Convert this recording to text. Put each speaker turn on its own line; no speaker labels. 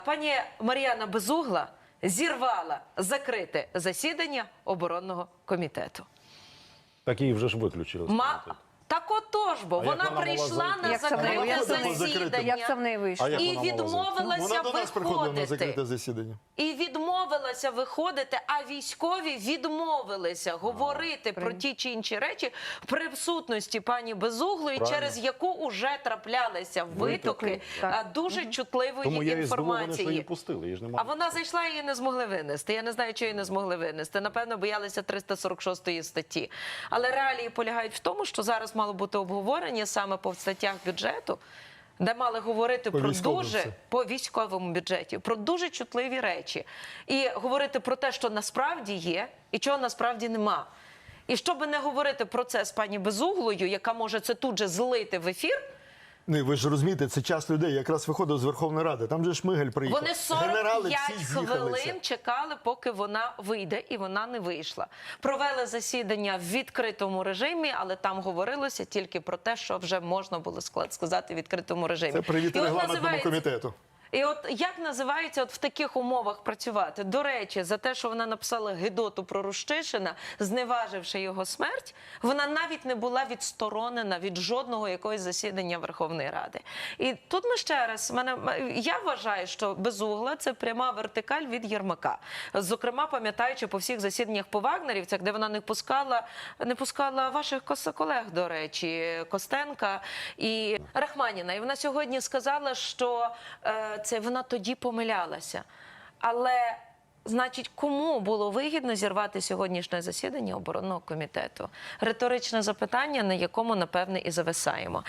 Пані Мар'яна Безугла зірвала закрите засідання оборонного комітету.
Так її вже ж виключили.
Так отож, бо вона прийшла на закрите засідання
Як це в неї вийшло?
і відмовилася
засідання.
І відмовилася виходити, а військові відмовилися говорити про ті чи інші речі в присутності пані Безуглої, через яку уже траплялися витоки дуже чутливої
Тому я
інформації.
її пустили, її ж немає.
А вона зайшла і її не змогли винести. Я не знаю, чого її не змогли винести. Напевно, боялися 346 статті. Але реалії полягають в тому, що зараз мало бути обговорення саме по статтях бюджету, де мали говорити по військовому бюджеті, про дуже чутливі речі. І говорити про те, що насправді є, і чого насправді нема. І щоб не говорити про це з пані Безуглою, яка може це тут же злити в ефір,
Ви ж розумієте, це час людей якраз виходив з Верховної Ради. Там же Шмигаль приїхав.
вони 45 хвилин чекали, поки вона вийде, і вона не вийшла. Провели засідання в відкритому режимі, але там говорилося тільки про те, що вже можна було сказати в відкритому режимі.
Це привіт регламентному комітету.
І от як називається в таких умовах працювати? До речі, за те, що вона написала гидоту про Рущишина, зневаживши його смерть, вона навіть не була відсторонена від жодного якогось засідання Верховної Ради. І тут ми ще раз, я вважаю, що Безугла – це пряма вертикаль від Єрмака. Зокрема, пам'ятаючи по всіх засіданнях по вагнерівцях, де вона не пускала ваших колег, до речі, Костенка і Рахманіна. І вона сьогодні сказала, що вона тоді помилялася. Але, значить, кому було вигідно зірвати сьогоднішнє засідання оборонного комітету? Риторичне запитання, на якому, напевне, і зависаємо.